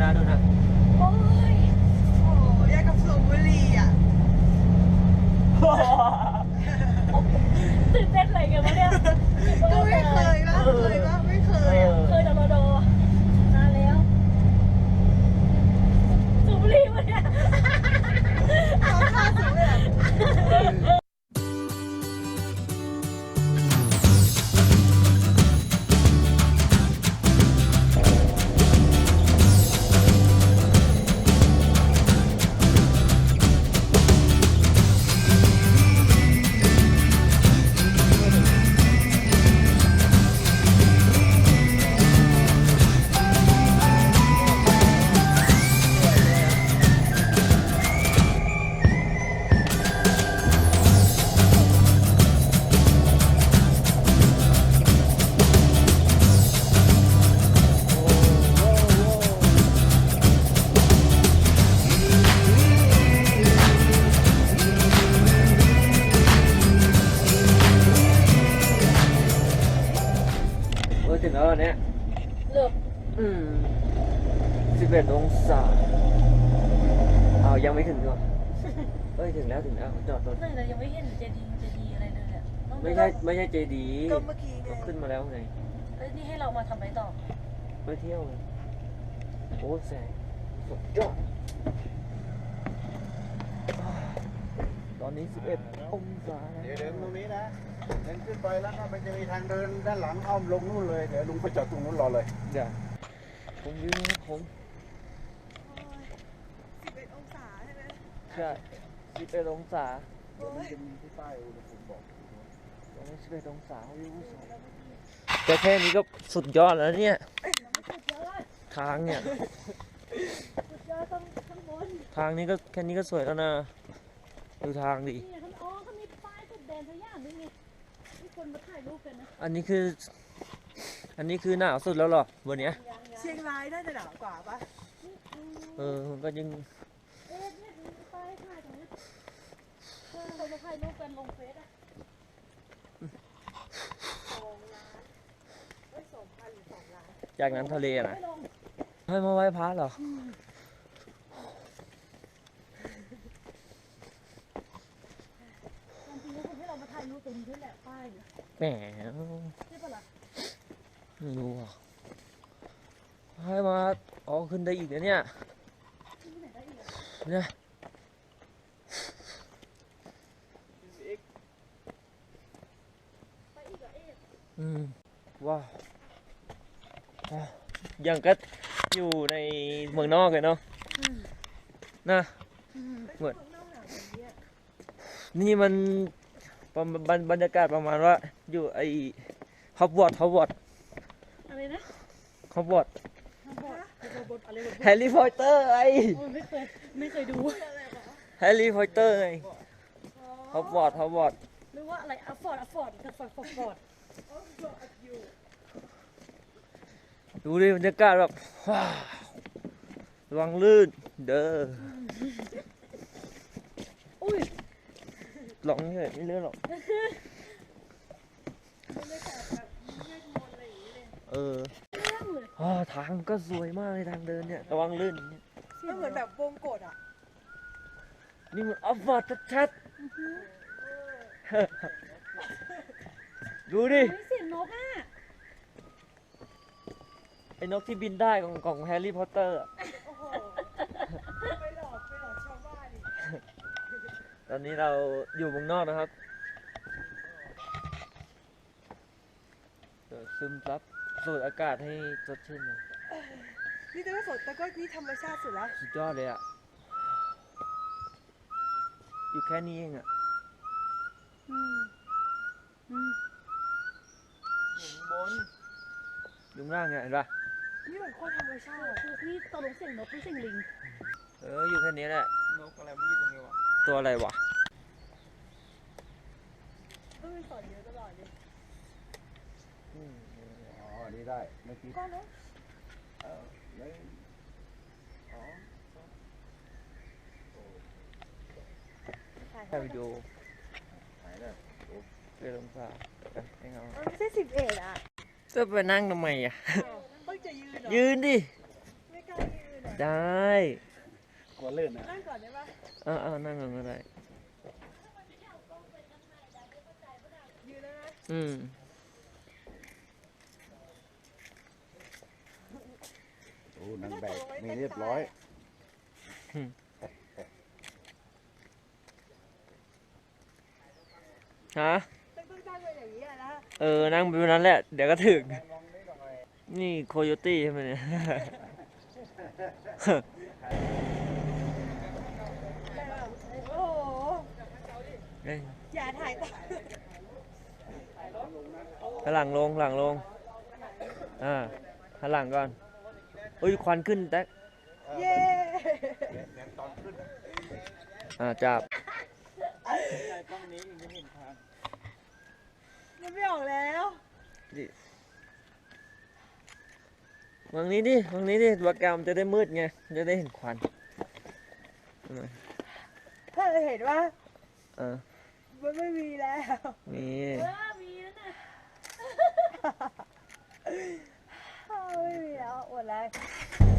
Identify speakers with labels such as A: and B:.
A: นะดูนะ
B: โอ้ยโอ้ยยากกับสูบบุหรี่อ่ะ
C: ตื่นเต้นอะไรกันวะเนี่ย
B: ก็ไม่เคยนะไม่เคยอ่ะ
C: เคยแต่รอดนานแล้วสูบบุหรี่วะเนี่ย
B: ทำท่าสูบเลยอ่ะ
A: ถึงแล้วเนี่ย
C: เลิก
A: 11 องศาเอายังไม่ถึงหรอถึงแล้วจอดรถ
C: ไม่เลยยังไม่เห็นเจดีอะไรเลยอ่ะ
A: ไม่ใช่เจดี
B: ก็เมื่อกี้ไง
A: ขึ้นมาแล้วไง
C: นี่ให้เรามาทำอะไรต่อ
A: ไปเที่ยวโอ้แสงสุดยอดตอนนี้11 องศา
D: เดี๋ยวเดินตรงนี้นะเดินขึ้นไปแล้วก็มันจะมีทางเดินด้านหลังอ้อมลงนู่นเลยเดี๋ยวลุงไปจอดตรงนู้นรอเลย
A: เดี๋ยวผมยืนนะผม
B: 11 องศาใช่ไหม
A: ใช่11 องศา
D: เดี๋ยวมันจะมีที่ป้ายอุณหภูมิบอก
A: ตอนนี้11 องศาวิวสวยแต่แค่นี้ก็สุดยอดแล้วเนี่ยทางเนี่ยทางนี้ก็แค่นี้ก็สวยแล้วนะดูทางดิ
C: เขามีป้ายสุดแดนทุกอย่างด้วยนี่มีคนมาถ่ายรูปกันนะ
A: อันนี้คือหนาวสุดแล้วหรอวันนี้
B: เชียงรายน่าจะหนาวกว่าปะ
A: ก็ยัง
C: เนี่ยมีป้ายถ่ายตรงนี้คนมาถ่ายรูปกันลงเฟซอ่ะ
B: 2 ล้าน2,000 หรือ 2 ล้าน
A: จากนั้นทะเลนะให้มาไหว้พระเหรอแหมไม่รู้อ่ะให้มาขึ้นได้อีกนะเนี่ยว้าวยังก็อยู่ในเมืองนอกเลยเนาะนะเหมือนนี่มันบรรยากาศประมาณว่าอยู่ไอ้ฮอกวอต
C: อะไรนะ
A: ฮอกวอตแฮร์รี่พอตเตอร์ไอ้
C: ไม่เคยดู
A: แฮร์รี่พอตเตอร์ไงฮอกวอต
C: หรือว่าอะไรอัฟฟอร์ด
A: ดูดิบรรยากาศแบบระวังลื่นเด้อ
C: อุ้ย
A: หลงเฉยไม่เลื่อนหรอกทางก็สวยมากเลยทางเดินเนี่ยระวังลื่น
B: ก็เหมือนแบบวงกฏอ่ะ
A: นี่มันอัฟฟอร์ดชัดๆดูดิ
C: เสียงนกอ่ะ
A: ไอ้นกที่บินได้ของแฮร์รี่พอตเตอร์
B: ไปหลอกชาวบ้านดิ
A: ตอนนี้เราอยู่เมืองนอกนะครับซึมซับสูดอากาศให้สดชื่นเลย
B: นี่แต่ว่าสดแต่ก็นี่ธรรมชาติสุดแล้ว
A: สุดยอดเลยอ่ะอยู่แค่นี้เองอ่ะอยู่บนอยู่ล่างไงเห็นปะ
B: นี่เหมือนคนธรรมชาติ
C: คือนี่ตกลงเสียงนกหรือเสียงลิง
A: อยู่แค่นี้แหละ
D: นกอะไรไม่อยู่ตรงนี้วะ
A: ตัวอะไรวะ
C: ต้องมีสอนเยอะตลอดเลย
D: นี่ได้เมื่อกี้
C: ก็นะ
A: ถ่ายวิดีโอถ่ายเลยลงสาให้เขา
B: ไม่ใช่11 อ่ะ
A: จะไปนั่งทำไมอ่ะ
B: ต้องจะยืน
A: ยืนดิ
B: ไม่กล้ายืนอ่ะ
A: ได้
D: กลัวลื่นนะ
B: นั่งก่อนได้ปะ
A: นั่งก่อนก็ได้
B: ยืนได้ไหม
A: อืม
D: โอ้นางแบกมีเรียบร้อย
A: ฮะ
B: ต้องตั้งไว้อย่างนี้อะนะ
A: นั่งไปแบบนั้นแหละ เดี๋ยวก็ถึง นี่โคโยตี้ใช่ไหมเนี่ย
B: โอ้โห
A: เอ้ย
B: อย่าถ่ายต่อ
A: หลังลงหันหลังก่อนอุ้ยควันขึ้นแท็ก
B: เย้
A: จับ
B: มันไม่ออกแล้ว
A: วางนี้ดิวากามจะได้มืดไง จะได้เห็นควัน
B: ถ้าเราเห็นว่า
A: เออ
B: มันไม่มีแล้ว
A: มี
C: มีแล้วน่ะ
B: ไม่มีแล้วหมดแล้ว